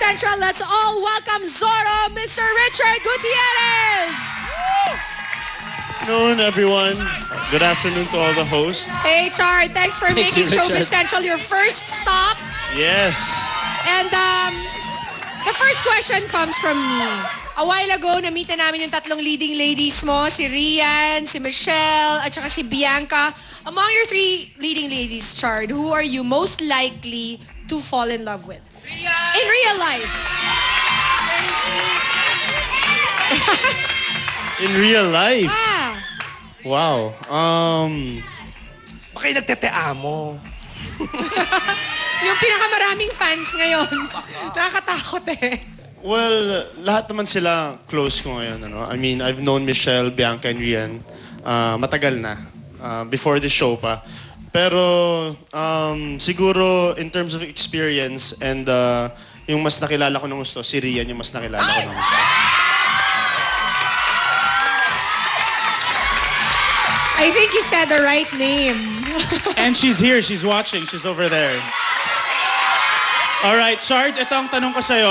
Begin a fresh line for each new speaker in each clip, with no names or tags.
Central, let's all welcome Zorro, Mr. Richard Gutierrez!
Good afternoon, everyone. Good afternoon to all the hosts.
Hey, Char, thanks for
Thank
making
you,
Showbiz
Richard.
Central your first stop.
Yes.
And the first question comes from me. A while ago, na-meet na namin yung tatlong leading ladies mo, si Rian, si Michelle, at saka si Bianca. Among your three leading ladies, Chard, who are you most likely to fall in love with? In real life.
In real life.
Ah,
Wow.
Baka yung nagteteamo.
yung pinakamaraming fans ngayon. Nakakatakot eh.
Well, lahat naman sila close ko ngayon. Ano? I mean, I've known Michelle, Bianca, and Rian matagal na. Before the show pa. Pero siguro in terms of experience and yung mas nakilala ko ng gusto, si Rian yung mas nakilala ko ng gusto.
I think you said the right name.
And she's here. She's watching. She's over there. All right, Chard, ito ang tanong ko sa'yo.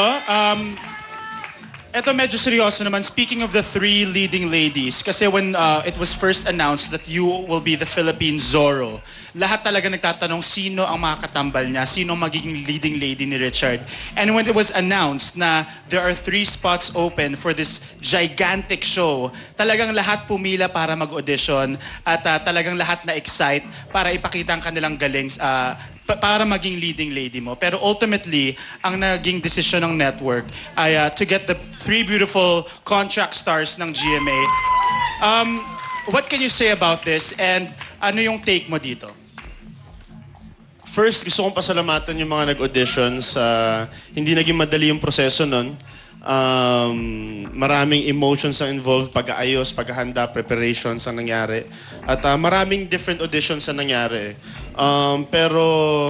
Ito medyo seryoso naman. Speaking of the three leading ladies, kasi when it was first announced that you will be the Philippine Zorro, lahat talaga nagtatanong sino ang makakatambal niya, sino ang magiging leading lady ni Richard. And when it was announced na there are 3 spots open for this gigantic show, talagang lahat pumila para mag-audition at talagang lahat na-excite para ipakita ang kanilang galing para maging leading lady mo. Pero ultimately, ang naging decision ng network ay to get the 3 beautiful contract stars ng GMA. What can you say about this and ano yung take mo dito?
First, gusto kong pasalamatan yung mga nag-auditions. Hindi naging madali yung proseso nun. Maraming emotions ang involved, pag-aayos, paghahanda, preparations ang nangyari. At maraming different auditions ang nangyari. Pero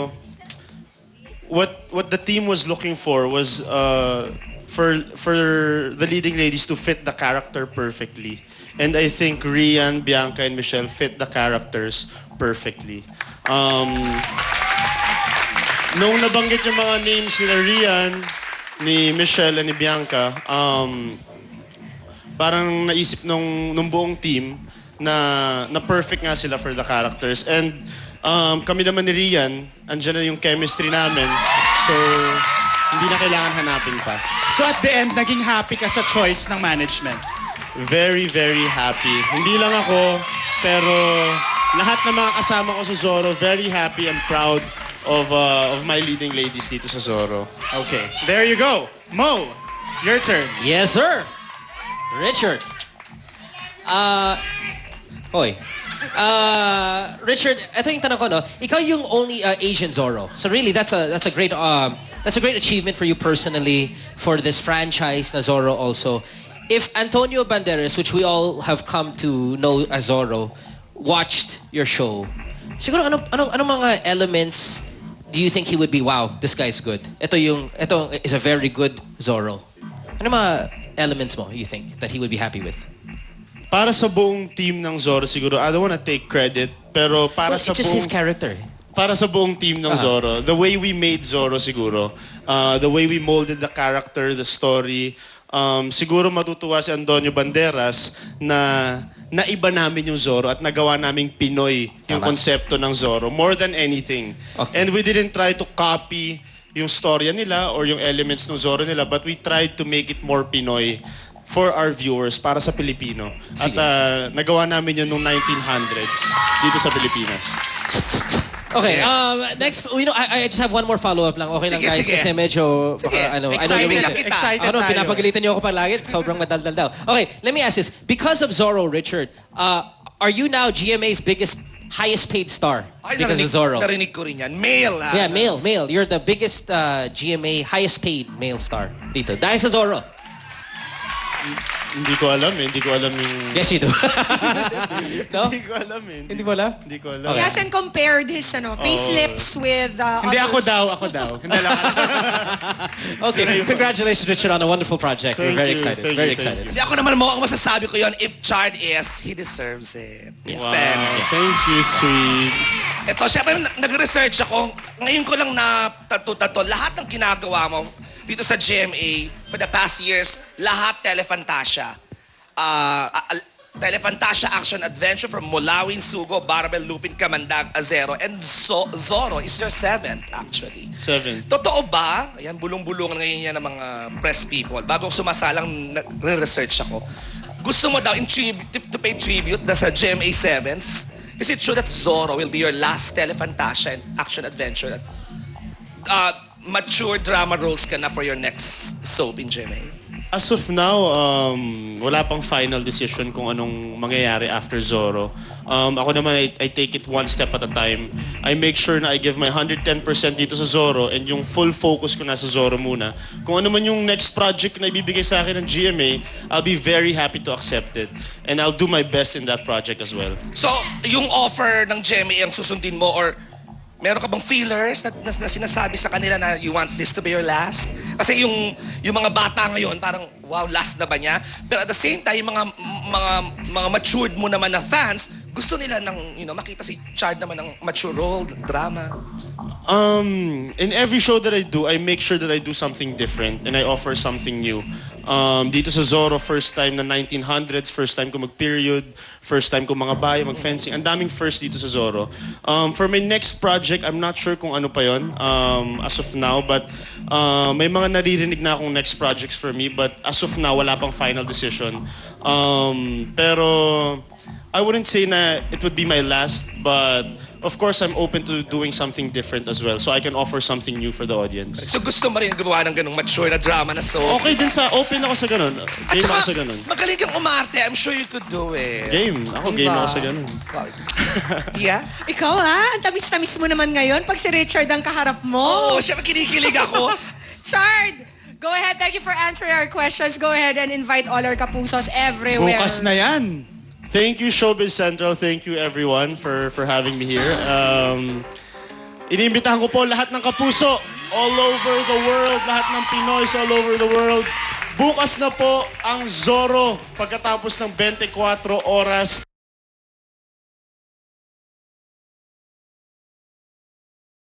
what the team was looking for was for the leading ladies to fit the character perfectly. And I think Rian, Bianca, and Michelle fit the characters perfectly. Nung nabanggit yung mga names ni Rian, ni Michelle, and ni Bianca, parang naisip nung buong team na perfect nga sila for the characters. And kami naman ni Rian, andyan na yung chemistry namin. So, hindi na kailangan hanapin pa.
So at the end, naging happy ka sa choice ng management?
Very, very happy. Hindi lang ako, pero lahat ng mga kasama ko sa Zorro, very happy and proud of my leading ladies dito sa Zorro.
Okay, there you go. Mo, your turn.
Yes, sir. Richard. Richard, ito yung tanong ko, no? Ikaw yung only Asian Zorro. So really, that's a great achievement for you personally, for this franchise na Zorro also. If Antonio Banderas, which we all have come to know as Zorro, watched your show, siguro anong mga elements do you think he would be, wow, this guy's good? Ito is a very good Zorro. Ano mga elements mo you think that he would be happy with?
Para sa buong team ng Zorro siguro, I don't wanna take credit, pero para
Well,
sa
it's just his
buong
character.
para sa buong team ng Zorro, the way we made Zorro siguro, the way we molded the character, the story, siguro matutuwa si Antonio Banderas na naiba namin yung Zorro at nagawa naming Pinoy yung
Tama.
konsepto ng Zorro more than anything.
Okay.
And we didn't try to copy yung storya nila or yung elements ng Zorro nila, but we tried to make it more Pinoy for our viewers, para sa Pilipino.
Sige.
At nagawa namin yun noong 1900s dito sa Pilipinas.
Okay, next, I just have one more follow-up lang. Okay lang,
Sige,
guys,
sige.
kasi medyo,
Sige.
I know
Excited
yung
lang kita.
Excited
Ako naman,
tayo.
pinapagalitan niyo ako palagi. Sobrang madaldal daw. Okay, let me ask this. Because of Zorro, Richard, are you now GMA's highest paid star?
Ay,
Because of Zorro.
narinig ko rin yan. Male, ah.
Yeah, male. You're the biggest GMA highest paid male star dito. Dahil sa Zorro.
Hindi ko alam eh. Hindi ko alam yung...
Yes, you do. No?
Hindi ko alam eh.
Hindi mo alam?
Hindi ko alam.
He hasn't compared his payslips with
Hindi,
others.
ako daw. Hindi lang.
Okay, congratulations, Richard, on a wonderful project. We're
Thank
very
you,
excited.
thank
Very
you, thank
excited.
Hindi ako naman mo, ang masasabi ko yon, if Chard is, he deserves it.
Wow.
Fairness.
Thank you, sweet.
Ito, syempre, nag-research ako. Ngayon ko lang na tato-tato. Lahat ng ginagawa mo, dito sa GMA for the past years, lahat Telefantasia. Telefantasia Action Adventure from Mulawin, Sugo, Barbel, Lupin, Kamandag, Azero, and Zorro is your 7th actually.
7.
Totoo ba? Ayan, bulong-bulungan ngayon yan ng mga press people. Bago sumasalang, nag-research ako. Gusto mo daw to pay tribute na sa GMA 7s? Is it true that Zorro will be your last Telefantasia and Action Adventure? Mature drama roles ka na for your next soap in GMA?
As of now, wala pang final decision kung anong mangyayari after Zorro. Ako naman, I take it one step at a time. I make sure na I give my 110% dito sa Zorro and yung full focus ko na sa Zorro muna. Kung ano man yung next project na ibibigay sa akin ng GMA, I'll be very happy to accept it. And I'll do my best in that project as well.
So, yung offer ng GMA ang susundin mo or meron ka bang feelers na sinasabi sa kanila na you want this to be your last? Kasi yung mga bata ngayon, parang, wow, last na ba niya? Pero at the same time, yung mga matured mo naman na fans, gusto nila ng, makita si Chard naman ng mature role, drama.
In every show that I do, I make sure that I do something different and I offer something new. Dito sa Zorro, first time na 1900s, first time ko mag-period, first time ko mga bayo, mag-fencing. Ang daming first dito sa Zorro. For my next project, I'm not sure kung ano pa yon as of now, but may mga naririnig na akong next projects for me, but as of now, wala pang final decision. Pero I wouldn't say na it would be my last, but of course, I'm open to doing something different as well, so I can offer something new for the audience.
So gusto mo rin gumawa ng ganung mature na drama na soap?
Okay din open ako sa ganun.
At
Game
saka,
ako sa ganun.
magaling kang umarte. I'm sure you could do it.
Game. Ako game
Diba?
ako sa ganun.
Yeah?
Ikaw ang tamis-tamis mo naman ngayon pag si Richard ang kaharap mo.
Oh, siya kinikilig ako.
Chard, go ahead. Thank you for answering our questions. Go ahead and invite all our kapusos everywhere.
Bukas na yan.
Thank you, Showbiz Central. Thank you, everyone, for having me here. Iniimbitahan ko po lahat ng kapuso all over the world, lahat ng Pinoys all over the world. Bukas na po ang Zorro pagkatapos ng 24 oras.